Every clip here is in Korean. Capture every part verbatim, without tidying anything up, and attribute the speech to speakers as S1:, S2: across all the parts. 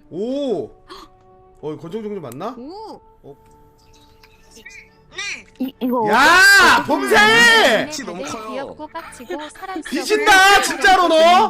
S1: 오. 어 권총 종류 맞나?
S2: 오.
S1: 어.
S2: 이 이거.
S1: 야 범새!
S3: 키 너무 커요.
S4: 귀엽고 깍지고 사랑스러워.
S1: 뒤진다 진짜로 너.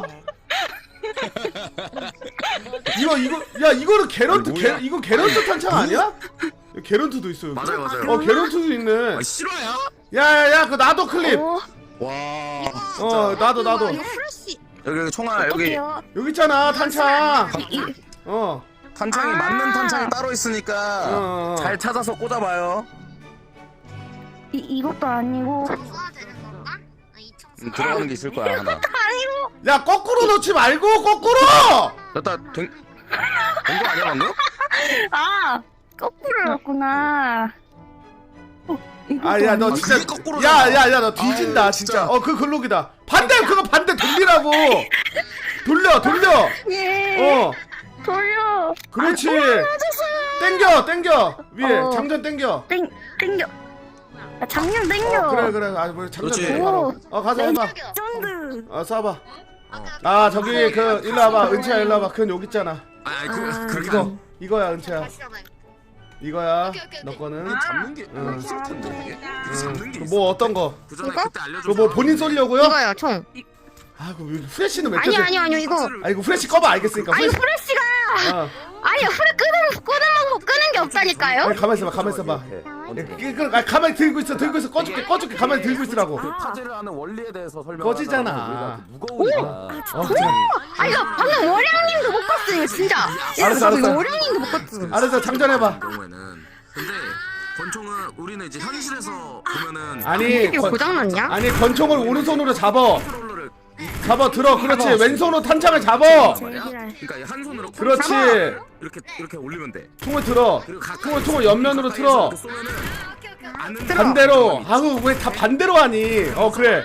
S1: 이거 이거 야 이거는 게런트
S3: 이거
S1: 게,
S3: 뭐야?
S1: 이거 게런트 탄창 아니야? 여기 게런트도 있어 여기.
S3: 맞아요 맞아요.
S1: 어 게런트도 있네.
S3: 아, 실화야?
S1: 야야야 그 나도 클립.
S2: 어.
S3: 와.
S1: 어 나도 나도.
S2: 이거 프레시.
S3: 여기 여기 총알 여기
S2: 어떡해요?
S1: 여기 있잖아 탄창.
S2: 이,
S1: 어.
S3: 탄창이
S2: 아.
S3: 맞는 탄창이 따로 있으니까
S1: 어, 어.
S3: 잘 찾아서 꽂아봐요.
S2: 이 이것도 아니고.
S5: 써야 되는 건가?
S3: 음, 들어가는 게 있을 거야 하나.
S1: 야 거꾸로 놓지 말고 거꾸로.
S3: 됐다. 된. 된거 아니야 방금?
S2: 아 거꾸로 넣었구나. 어, 이것도
S1: 아 야 너
S2: 아니고.
S1: 진짜
S3: 그게 거꾸로잖아.
S1: 야야야 너 뒤진다
S3: 아유,
S1: 진짜.
S3: 진짜.
S1: 어 그 글록이다. 반대 그거 반대 돌리라고. 돌려 돌려.
S2: 예.
S1: 어
S2: 돌려.
S1: 그렇지. 땡겨 땡겨 위에
S2: 어.
S1: 장전 땡겨.
S2: 땡 땡겨. 아, 장면 땡겨.
S1: 어, 그래 그래 아 뭐 장전
S3: 그렇지.
S1: 땡겨 바로. 어 가서 해봐.
S2: 쩐드.
S1: 어 쏴봐. 아 저기 그 일로 와봐 은채야 일로 와봐. 그건 여기 있잖아.
S3: 아, 아니 그
S2: 아,
S3: 그렇게
S1: 이거
S3: 안-
S1: 이거야 은채야.
S5: 다시 잡아요.
S1: 이거야
S5: 오케이, 오케이,
S1: 너
S5: 오케이.
S1: 거는.
S3: 잡는 게
S1: 응.
S3: 있을 텐데 이게.
S1: 응.
S3: 잡는 게
S1: 그
S3: 있어.
S1: 뭐 어떤 거?
S3: 그 전에
S2: 이거?
S3: 그때 알려줘.
S1: 그거 뭐 본인 쏘려고요?
S2: 이거요 총.
S1: 아그 프레시는 왜
S2: 아니요
S1: 껴져?
S2: 아니요 아니요 이거.
S1: 아 이거 프레시 꺼봐 알겠으니까.
S2: 아 이거
S1: 프레시.
S2: 프레시가.
S1: 어.
S2: 아니요 프레 끄는 끄는 방법 끄는 게 없다니까요.
S1: 아니 가만 있어봐 가만 있어봐. 그, 그, 아, 가만히 들고 있어 들고 있어 꺼줄게 꺼줄게 가만히 들고 있으라고.
S6: 그 퍼즐을 하는 원리에 대해서 설명.
S1: 꺼지잖아.
S6: 무거우니까.
S1: 어,
S2: 아 이거 방금 월양님도 못 껐어 이거 진짜.
S1: 알았어, 알았어.
S2: 이거 월양님도 못 껐어.
S1: 알았어 장전해봐.
S3: 경우에는 근데 권총은 우리는 이제 현실에서 보면은
S1: 아니
S2: 이거
S1: 권,
S2: 고장났냐?
S1: 아니 권총을 오른손으로 잡어
S3: 컨트롤러를
S1: 잡아 들어 그렇지 왼손으로 탄창을 잡아.
S3: 말이야. 그러니까 한 손으로
S1: 그렇지
S3: 이렇게 이렇게 올리면 돼.
S1: 총을 들어.
S3: 그리고 가까이
S1: 총을 총을 옆면으로 틀어.
S3: 이렇게 쏘면은
S5: 오케이 오케이.
S3: 안
S1: 반대로. 아우 왜 다 반대로 하니? 어 그래.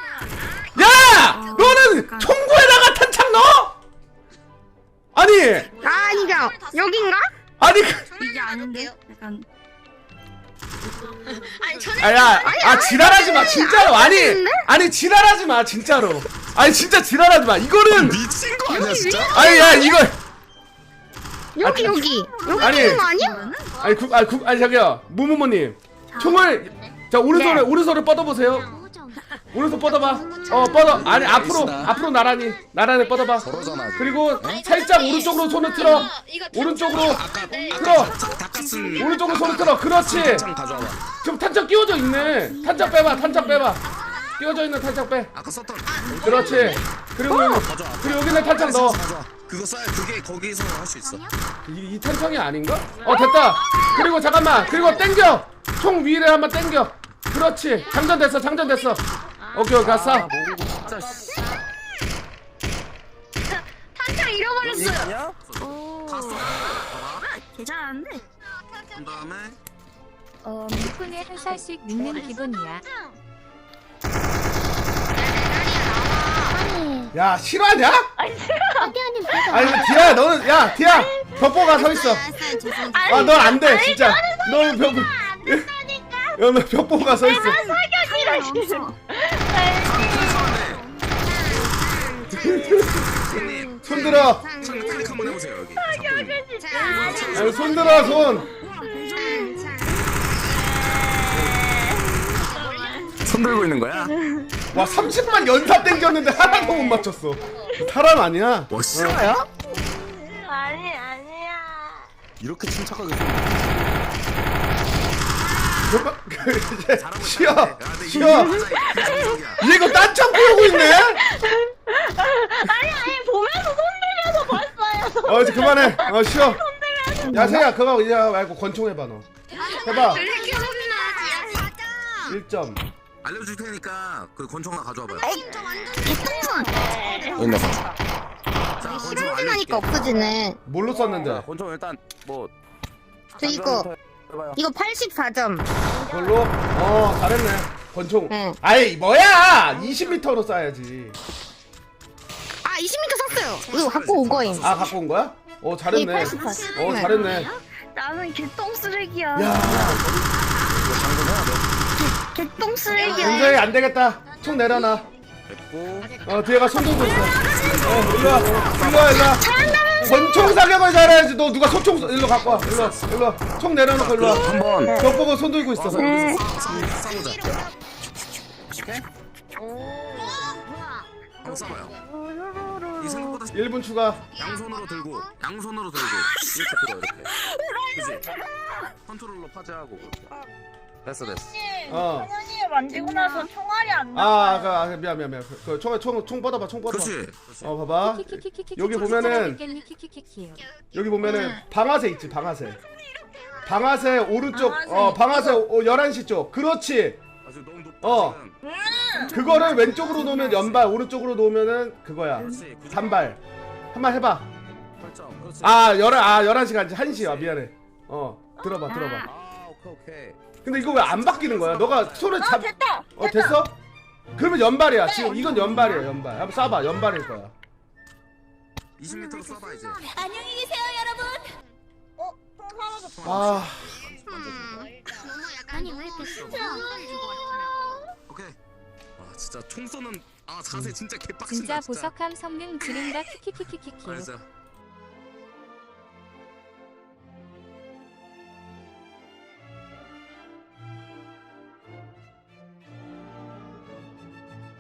S1: 야 너는 총구에다가 탄창 넣어? 아니
S2: 아 아니죠 여긴가?
S1: 아니 그-
S2: 이게 아닌데 약간.
S5: 아니 저는
S1: 아야 아 지랄하지 마 진짜로 아니 아니 지랄하지 마 진짜로 아니 진짜 지랄하지 마 이거는
S3: 미친 거 아니야 진짜?
S1: 아니 야 이거
S2: 여기 여기 여기
S1: 아니.
S2: 있는 거 아니야?
S1: 아니 국 아니 국 아니 저기요 무무모님 총을 자 오른손을
S2: 네.
S1: 오른손을 뻗어보세요. 오른손 뻗어봐. 어 뻗어 아니 앞으로 앞으로 나란히 나란히 뻗어봐.
S3: 저러잖아.
S1: 그리고 살짝 오른쪽으로 손을 틀어. 오른쪽으로 틀어.
S3: 닭가슴
S1: 오른쪽으로 손을 틀어. 그렇지.
S3: 탄창 가져와봐.
S1: 지금 탄창 끼워져 있네. 탄창 빼봐. 탄창 빼봐. 끼워져 있는 탄창 빼.
S3: 아까 썼던
S1: 그렇지. 그리고 여기,
S3: 가져와.
S1: 그리고 여기는 탄창 넣어.
S3: 가져와. 그거 써야 그게 거기서 할 수 있어.
S1: 이, 이 탄창이 아닌가? 어 됐다. 그리고 잠깐만. 그리고 땡겨. 총 위를 한번 땡겨. 그렇지. 장전됐어. 장전됐어. 오케이 오케이 갔어.
S6: 진짜 씨.
S2: 탄창 잃어버렸어요.
S6: 아니야?
S3: 다 써. 봐봐.
S2: 괜찮은데?
S3: 그 다음에
S2: 어
S4: 덕분에 한 살씩 눕는 기분이야.
S1: 야 실화냐?
S2: 아니 싫어.
S1: 아니 디야 너는 야 디야 벽보가 서 있어.
S5: 알았어요 죄송해요.
S1: 아 넌 안 돼 진짜. 너는 벽. 너는 벽보가 서 있어.
S2: 사격이라 싫어.
S3: 손님
S1: 손 들어.
S3: 창 클릭 한번 해보세요 여기. 잡고 있는 거.
S1: 아니, 손 들어 손.
S3: 손 들고 있는 거야?
S1: 와 삼십만 연사 땡겼는데 하나도 못 맞췄어. 사람 아니야?
S3: 뭐 실화야?
S2: 아니 아니야.
S3: 이렇게 침착하게
S1: 잠깐 이제 쉬어
S3: 야,
S1: 쉬어. 얘 이거 딴창 보고 있네.
S2: 아니 아니 보면서 손 들려서 봤어요.
S1: 어 이제 그만해. 어 쉬어. 야 세야 그거 이제 말고 권총 해봐 너. 해봐.
S5: 이렇게 소리나 하지.
S1: 일 점.
S3: 알려줄 테니까 그 권총 하나 가져와봐요.
S5: 저 완전
S2: 개똥손.
S3: 있나 봐. 자, 권총
S2: 실험진
S3: 알려줄게.
S2: 하니까 없어지네.
S1: 뭘로
S6: 자,
S1: 썼는데?
S6: 권총 일단 뭐.
S2: 저 이거
S6: 해봐요.
S2: 이거 팔십사 점.
S1: 그걸로? 어 잘했네. 권총.
S2: 응.
S1: 아이 뭐야? 이십 미터로 쏴야지.
S2: 아 이십 미터 샀어요. 이거 갖고 온 거임.
S1: 아 갖고 온 거야? 어
S2: 이
S1: 잘했네.
S2: 팔십팔.
S1: 어 잘했네.
S2: 나는 개똥 쓰레기야.
S1: 야
S2: 개똥 쓰레기야.
S1: 은서이 안 되겠다. 총 내려놔.
S3: 됐고.
S1: 어 뒤에가 손 들고 있어. 어 일로 와. 일로 와 일로 와.
S2: 잘한다면서.
S1: 권총 사격을 잘해야지. 너 누가 소총 쏘- 일로 갖고 와. 일로 와. 일로 와. 총 내려놓고 일로 와.
S6: 한번
S1: 벽 보고 손 들고 있어.
S2: 네.
S3: 싸우자.
S6: 오케이?
S5: 뭐야?
S3: 한번 싸봐요. 이 생각보다
S1: 일 분 추가.
S3: 양손으로 들고 양손으로 들고
S6: 이렇게 들어 이렇게 그지? 컨트롤러 파지하고 그렇게 됐어 됐어
S1: 어.
S7: 현현이 만지고 나서 총알이 안 나.
S1: 아, 그, 아, 미안 미안 미안. 그 총 총 총 뻗어봐. 총 뻗어봐.
S3: 그렇지.
S1: 어, 봐봐. 여기 보면은 여기 보면은 방아쇠 있지, 방아쇠. 방아쇠 오른쪽
S7: 방아쇠
S1: 어, 방아쇠 어, 열한 시 쪽. 그렇지.
S3: 아주 너무 높다
S1: 어.
S3: 지금.
S1: 그거를 왼쪽으로 놓으면 연발, 오른쪽으로 놓으면은 그거야.
S3: 그렇지. 구조.
S1: 단발. 한번 해봐.
S6: 설정 그렇지
S1: 아, 열한 아, 열한 시가 아니지. 한 시야. 미안해. 어. 들어봐, 들어봐.
S6: 아 오케이 오케이
S1: 근데 이거 왜 안 바뀌는 거야? 너가 손을
S7: 아
S1: 잡
S7: 됐다.
S1: 어, 됐어? 그러면 연발이야. 지금 이건 연발이야, 연발. 한번 쏴봐. 연발일 거야.
S3: 이십 미터로 쏴봐 이제.
S7: 안녕히 계세요 여러분. 어? 총 사라졌어.
S1: 아,
S5: 너무 약간 아니 왜 이렇게 진짜 주고 왔잖아.
S3: 오케이. 아 진짜 총 쏘는 아 자세 진짜 개빡친다.
S4: 진짜 보석함 성능 지른다 키키키키키키.
S3: 맞아.